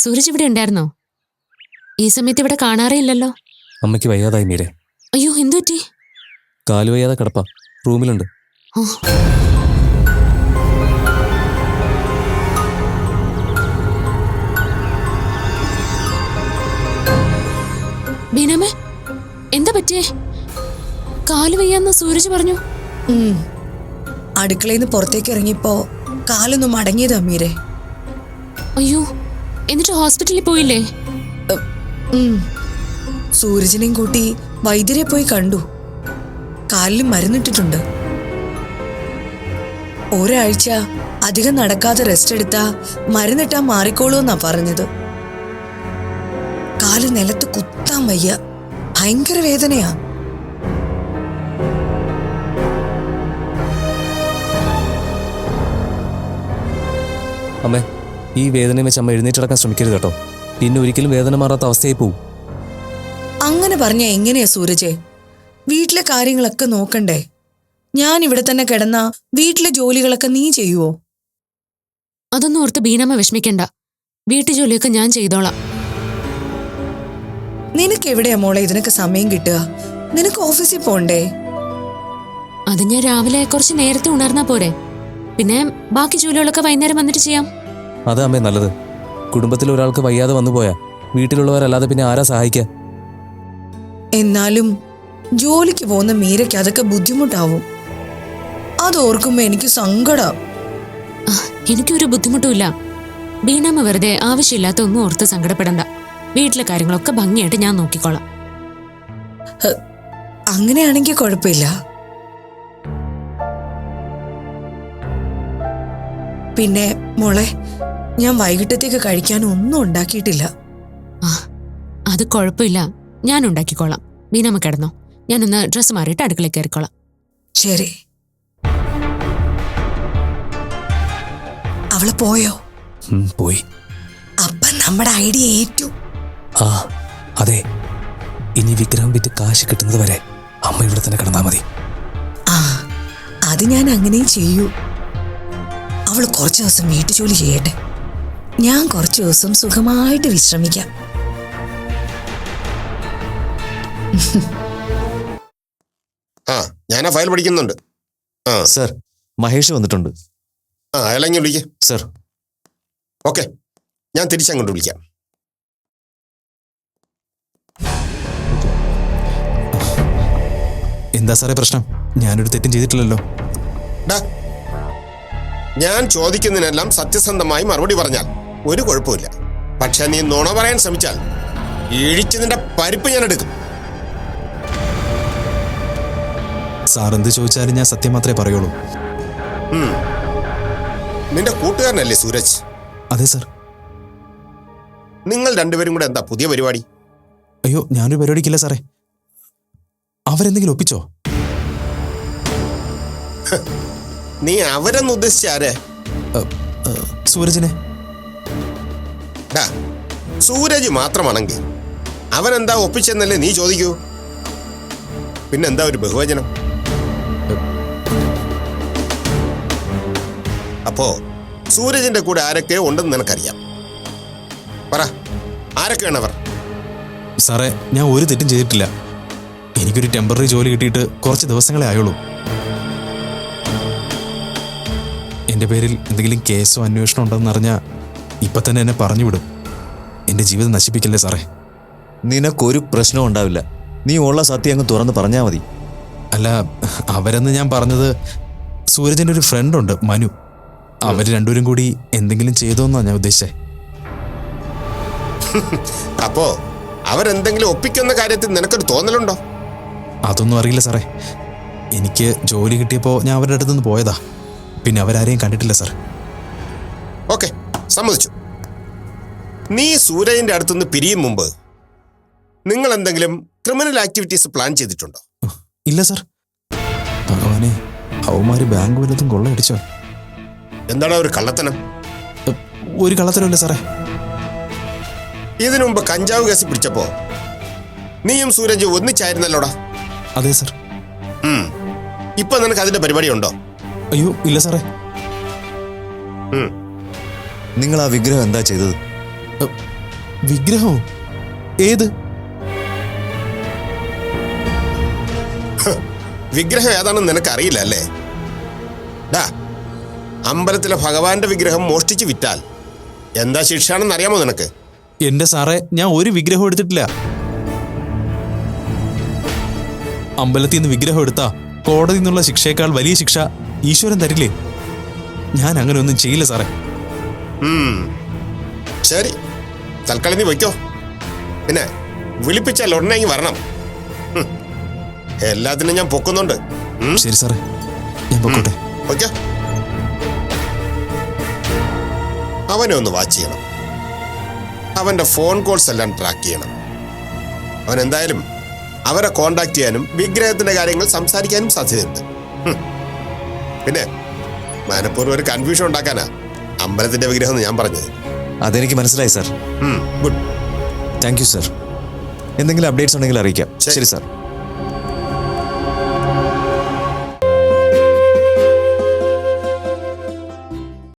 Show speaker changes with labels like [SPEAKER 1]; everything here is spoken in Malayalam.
[SPEAKER 1] സൂരജ് ഇവിടെ ഉണ്ടായിരുന്നോ? ഈ സമയത്ത് ഇവിടെ കാണാറേ ഇല്ലല്ലോ.
[SPEAKER 2] അമ്മയ്ക്ക് വയ്യാതായി മീരെ.
[SPEAKER 1] അയ്യോ, എന്തു പറ്റി?
[SPEAKER 2] കാല് വയ്യാതെ കിടപ്പാ, റൂമിലുണ്ട്.
[SPEAKER 1] ബീനാമേ, എന്താ പറ്റിയേ? കാല് വയ്യാന്ന് സൂരജ് പറഞ്ഞു.
[SPEAKER 3] അടുക്കളയിൽ നിന്ന് പുറത്തേക്ക് ഇറങ്ങിയപ്പോ കാലൊന്നും മടങ്ങിയതാ മീരെ.
[SPEAKER 1] അയ്യോ, എന്നിട്ട് ഹോസ്പിറ്റലിൽ പോയില്ലേ?
[SPEAKER 3] സൂരജിനെയും കൂട്ടി വൈദ്യരെ പോയി കണ്ടു. കാലിൽ മരുന്നിട്ടിട്ടുണ്ട്. ഒരാഴ്ച അധികം നടക്കാതെ റെസ്റ്റ് എടുത്താ മരുന്നിട്ടാ മാറിക്കോളൂന്നാ പറഞ്ഞത്. കാല് നിലത്ത് കുത്താൻ വയ്യ, ഭയങ്കര വേദനയാ.
[SPEAKER 2] അമ്മേ, ഈ വേദനയും വെച്ച് അമ്മ എഴുന്നേറ്റടക്കാൻ ശ്രമിക്കരുത് കേട്ടോ. പിന്നെ ഒരിക്കലും വേദന മാറാത്ത അവസ്ഥയായി പോവും.
[SPEAKER 3] അങ്ങനെ പറഞ്ഞ എങ്ങനെയാ സൂരജ്? വീട്ടിലെ കാര്യങ്ങളൊക്കെ നോക്കണ്ടേ? ഞാൻ ഇവിടെ തന്നെ കിടന്ന വീട്ടിലെ ജോലികളൊക്കെ നീ ചെയ്യുവോ?
[SPEAKER 1] അതൊന്നും ഓർത്ത് ബീനാമ്മ വിഷമിക്കണ്ട. വീട്ടു ജോലിയൊക്കെ ഞാൻ ചെയ്തോളാം.
[SPEAKER 3] നിനക്ക് എവിടെയാ മോളെ ഇതിനൊക്കെ സമയം കിട്ടുക? നിനക്ക് ഓഫീസിൽ പോണ്ടേ?
[SPEAKER 1] അത് ഞാൻ രാവിലെ കുറച്ച് നേരത്തെ ഉണർന്നാ പോരെ. പിന്നെ ബാക്കി ജോലികളൊക്കെ വൈകുന്നേരം വന്നിട്ട് ചെയ്യാം.
[SPEAKER 2] അതാ അമ്മേ നല്ലത്. കുടുംബത്തിൽ ഒരാൾക്ക് വയ്യാതെ വന്നു പോയാ വീട്ടിലുള്ളവരല്ലാതെ പിന്നെ ആരാ സഹായിക്കുക?
[SPEAKER 3] എന്നാലും ജോലിക്ക് പോകുന്ന മീരയ്ക്ക് അതൊക്കെ ബുദ്ധിമുട്ടാവും. അതോർക്കുമ്പോ എനിക്ക് സങ്കടം.
[SPEAKER 1] എനിക്കൊരു ബുദ്ധിമുട്ടുമില്ല. ബീനാമ്മ വെറുതെ ആവശ്യമില്ലാത്ത ഒന്നും ഓർത്ത് സങ്കടപ്പെടണ്ട. വീട്ടിലെ കാര്യങ്ങളൊക്കെ ഭംഗിയായിട്ട് ഞാൻ നോക്കിക്കോളാം.
[SPEAKER 3] അങ്ങനെയാണെങ്കിൽ കുഴപ്പമില്ല. പിന്നെ മോളെ, ഞാൻ വൈകിട്ടത്തേക്ക് കഴിക്കാൻ ഒന്നും ഉണ്ടാക്കിയിട്ടില്ല.
[SPEAKER 1] അത് കുഴപ്പമില്ല, ഞാൻ ഉണ്ടാക്കിക്കോളാം. ബീനാമ്മ കിടന്നോ, ഞാനൊന്ന് ഡ്രസ്സ് മാറിയിട്ട് അടുക്കളയിൽ കയറിക്കോളാം.
[SPEAKER 3] ശരി. അവള് പോയോ?
[SPEAKER 2] പോയി.
[SPEAKER 3] അപ്പൊ നമ്മുടെ ഐഡിയ ഏറ്റു.
[SPEAKER 2] ആ അതെ, ഇനി വിഗ്രഹം വിറ്റ് കാശ് കിട്ടുന്നത് വരെ അമ്മ ഇവിടെ തന്നെ കിടന്നാ മതി.
[SPEAKER 3] ആ, അത് ഞാൻ അങ്ങനെയും ചെയ്യൂ. അവള് കുറച്ചു ദിവസം വീട്ടു ജോലി ചെയ്യട്ടെ. ഞാൻ കുറച്ചു ദിവസം സുഖമായിട്ട് വിശ്രമിക്കാം.
[SPEAKER 4] ഞാൻ ആ ഫയൽ പഠിക്കുന്നുണ്ട്.
[SPEAKER 2] സർ, മഹേഷ് വന്നിട്ടുണ്ട്.
[SPEAKER 4] അയാളെങ്ങി വിളിക്കാം.
[SPEAKER 2] സർ.
[SPEAKER 4] ഓക്കെ, ഞാൻ തിരിച്ചങ്ങോട്ട് വിളിക്കാം.
[SPEAKER 2] എന്താ സാറേ പ്രശ്നം? ഞാനൊരു തെറ്റും ചെയ്തിട്ടില്ലല്ലോ.
[SPEAKER 4] ഞാൻ ചോദിക്കുന്നതിനെല്ലാം സത്യസന്ധമായി മറുപടി പറഞ്ഞാൽ ഒരു കുഴപ്പമില്ല. പക്ഷെ നീ നുണ പറയാൻ ശ്രമിച്ചാൽ ഇഴിച്ചതിന്റെ പരിപ്പ് ഞാൻ എടുക്കും.
[SPEAKER 2] സാർ എന്ത് ചോദിച്ചാലും ഞാൻ സത്യം മാത്രമേ പറയുള്ളൂ.
[SPEAKER 4] നിന്റെ കൂട്ടുകാരനല്ലേ സൂരജ്?
[SPEAKER 2] അതെ സർ.
[SPEAKER 4] നിങ്ങൾ രണ്ടുപേരും കൂടെ എന്താ പുതിയ പരിപാടി?
[SPEAKER 2] അയ്യോ, ഞാനൊരു പരിപാടിക്കില്ല സാറേ. അവരെന്തെങ്കിലും ഒപ്പിച്ചോ?
[SPEAKER 4] നീ അവരെന്ന് ഉദ്ദേശിച്ച ആരെ?
[SPEAKER 2] സൂരജിനെ.
[SPEAKER 4] സൂരജ് മാത്രമാണെങ്കിൽ അവനെന്താ ഒപ്പിച്ചെന്നല്ലേ നീ ചോദിക്കൂ. പിന്നെന്താ ഒരു ബഹുവചനം? അപ്പോ സൂരജിന്റെ കൂടെ ആരൊക്കെ ഉണ്ടെന്ന് നിനക്കറിയാം. പറ, ആരൊക്കെയാണ് അവർ?
[SPEAKER 2] സാറേ, ഞാൻ ഒരു തെറ്റും ചെയ്തിട്ടില്ല. എനിക്കൊരു ടെമ്പററി ജോലി കിട്ടിയിട്ട് കുറച്ച് ദിവസങ്ങളെ ആയുള്ളൂ. എൻ്റെ പേരിൽ എന്തെങ്കിലും കേസോ അന്വേഷണം ഉണ്ടെന്ന് അറിഞ്ഞാൽ ഇപ്പം തന്നെ എന്നെ പറഞ്ഞു വിടും. എൻ്റെ ജീവിതം നശിപ്പിക്കല്ലേ സാറേ.
[SPEAKER 5] നിനക്കൊരു പ്രശ്നവും ഉണ്ടാവില്ല. നീ ഉള്ള സത്യം അങ്ങ് തുറന്ന് പറഞ്ഞാൽ മതി.
[SPEAKER 2] അല്ല, അവരെന്ന് ഞാൻ പറഞ്ഞത് സൂരജിൻ്റെ ഒരു ഫ്രണ്ടുണ്ട്, മനു. അവർ രണ്ടുപേരും കൂടി എന്തെങ്കിലും ചെയ്തോന്നാണ് ഞാൻ ഉദ്ദേശിച്ചത്.
[SPEAKER 4] അപ്പോ അവരെന്തെങ്കിലും ഒപ്പിക്കുന്ന കാര്യത്തിൽ നിനക്കൊരു തോന്നലുണ്ടോ?
[SPEAKER 2] അതൊന്നും അറിയില്ല സാറേ. എനിക്ക് ജോലി കിട്ടിയപ്പോൾ ഞാൻ അവരുടെ അടുത്തുനിന്ന് പോയതാ. പിന്നെ അവരാരെയും കണ്ടിട്ടില്ല സാർ.
[SPEAKER 4] ഓക്കെ, സമ്മതിച്ചു. നീ സൂരജിന്റെ അടുത്തുനിന്ന് പിരിയും മുമ്പ് നിങ്ങൾ എന്തെങ്കിലും ക്രിമിനൽ ആക്ടിവിറ്റീസ് പ്ലാൻ ചെയ്തിട്ടുണ്ടോ?
[SPEAKER 2] ഇല്ല സാർ. ഭഗവാനെ, അവന്മാര് ബാങ്ക് വല്ലതും കൊള്ളയടിച്ചോ?
[SPEAKER 4] എന്താടാ ഒരു കള്ളത്തനം?
[SPEAKER 2] ഒരു കള്ളത്തരമില്ല സാറേ.
[SPEAKER 4] ഇതിനു മുമ്പ് കഞ്ചാവ് കേസ് പിടിച്ചപ്പോ നീയും സൂരജ് ഒന്നിച്ചായിരുന്നല്ലോടാ?
[SPEAKER 2] അതെ സാർ.
[SPEAKER 4] ഇപ്പൊ നിനക്ക് അതിന്റെ പരിപാടി ഉണ്ടോ?
[SPEAKER 2] അയ്യോ, ഇല്ല സാറേ.
[SPEAKER 5] നിങ്ങൾ ആ വിഗ്രഹം എന്താ ചെയ്തത്?
[SPEAKER 2] വിഗ്രഹമോ? ഏത്
[SPEAKER 4] വിഗ്രഹം ഏതാണെന്ന് നിനക്കറിയില്ല അല്ലേ? ഡാ, അമ്പലത്തിലെ ഭഗവാന്റെ വിഗ്രഹം മോഷ്ടിച്ച് വിറ്റാൽ എന്താ ശിക്ഷയാണെന്ന് അറിയാമോ നിനക്ക്?
[SPEAKER 2] എന്റെ സാറേ, ഞാൻ ഒരു വിഗ്രഹം എടുത്തിട്ടില്ല. അമ്പലത്തിൽ നിന്ന് വിഗ്രഹം എടുത്താ കോടതി നിന്നുള്ള ശിക്ഷയേക്കാൾ വലിയ ശിക്ഷ ഈശ്വരൻ തരില്ലേ? ഞാൻ അങ്ങനെ ഒന്നും ചെയ്യില്ല സാറേ.
[SPEAKER 4] ശരി, തൽക്കാലം നീ വയ്ക്കോ. പിന്നെ വിളിപ്പിച്ചാൽ ഉടനെ വരണം. എല്ലാത്തിനും ഞാൻ പൊക്കുന്നുണ്ട്.
[SPEAKER 2] ശരി സാറേ, ഞാൻ പൊക്കോട്ടെ.
[SPEAKER 4] ഓക്കെ, അവനെ ഒന്ന് വാച്ച് ചെയ്യണം. അവന്റെ ഫോൺ കോൾസ് എല്ലാം ട്രാക്ക് ചെയ്യണം. അവൻ എന്തായാലും അവരെ കോണ്ടാക്ട് ചെയ്യാനും വിഗ്രഹത്തിന്റെ കാര്യങ്ങൾ സംസാരിക്കാനും സാധ്യതയുണ്ട്. പിന്നെ മനഃപൂർവ്വം ഒരു കൺഫ്യൂഷൻ ഉണ്ടാക്കാനാ അമ്പലത്തിന്റെ വിഗ്രഹം എന്ന് ഞാൻ പറഞ്ഞത്.
[SPEAKER 5] അതെനിക്ക് മനസ്സിലായി sir.
[SPEAKER 4] Good.
[SPEAKER 5] Thank you sir. എന്തെങ്കിലും അപ്ഡേറ്റ്സ് ഉണ്ടെങ്കിൽ അറിയിക്കാം.
[SPEAKER 4] ശരി.
[SPEAKER 5] ശരി സാർ.